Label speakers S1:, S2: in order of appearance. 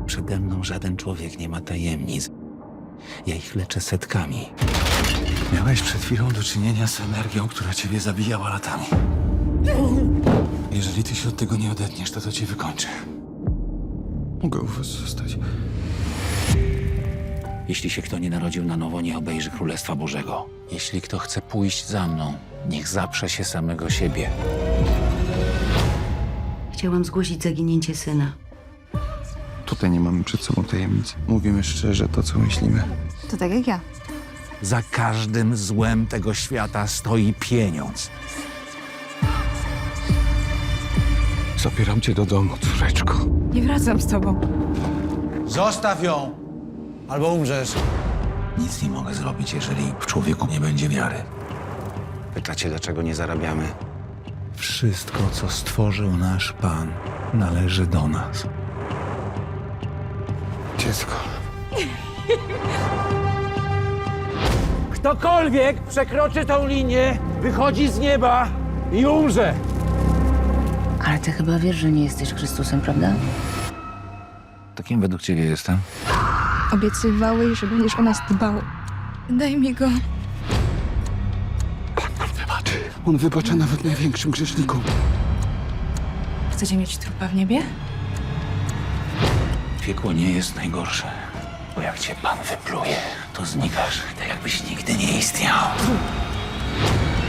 S1: Przede mną żaden człowiek nie ma tajemnic. Ja ich leczę setkami. Miałeś przed chwilą do czynienia z energią, która ciebie zabijała latami. Jeżeli ty się od tego nie odetniesz, to cię wykończę. Mogę u was zostać. Jeśli się kto nie narodził na nowo, nie obejrzy Królestwa Bożego. Jeśli kto chce pójść za mną, niech zaprze się samego siebie.
S2: Chciałam zgłosić zaginięcie syna.
S3: Tutaj nie mamy przed sobą tajemnic. Mówimy szczerze to, co myślimy.
S4: To tak jak ja.
S1: Za każdym złem tego świata stoi pieniądz.
S3: Zabieram cię do domu, córeczko.
S4: Nie wracam z tobą.
S5: Zostaw ją, albo umrzesz.
S1: Nic nie mogę zrobić, jeżeli w człowieku nie będzie wiary. Pytacie, dlaczego nie zarabiamy? Wszystko, co stworzył nasz Pan, należy do nas.
S3: Dziecko.
S5: Ktokolwiek przekroczy tą linię, wychodzi z nieba i umrze.
S2: Ale ty chyba wiesz, że nie jesteś Chrystusem, prawda?
S1: To kim według ciebie jestem?
S4: Obiecywałeś, że będziesz o nas dbał. Daj mi go.
S3: Pan nam wybaczy. On wybacza nawet największym grzesznikom.
S4: Chcecie mieć trupa w niebie?
S1: Piekło nie jest najgorsze, bo jak cię Pan wypluje, to znikasz, tak jakbyś nigdy nie istniał.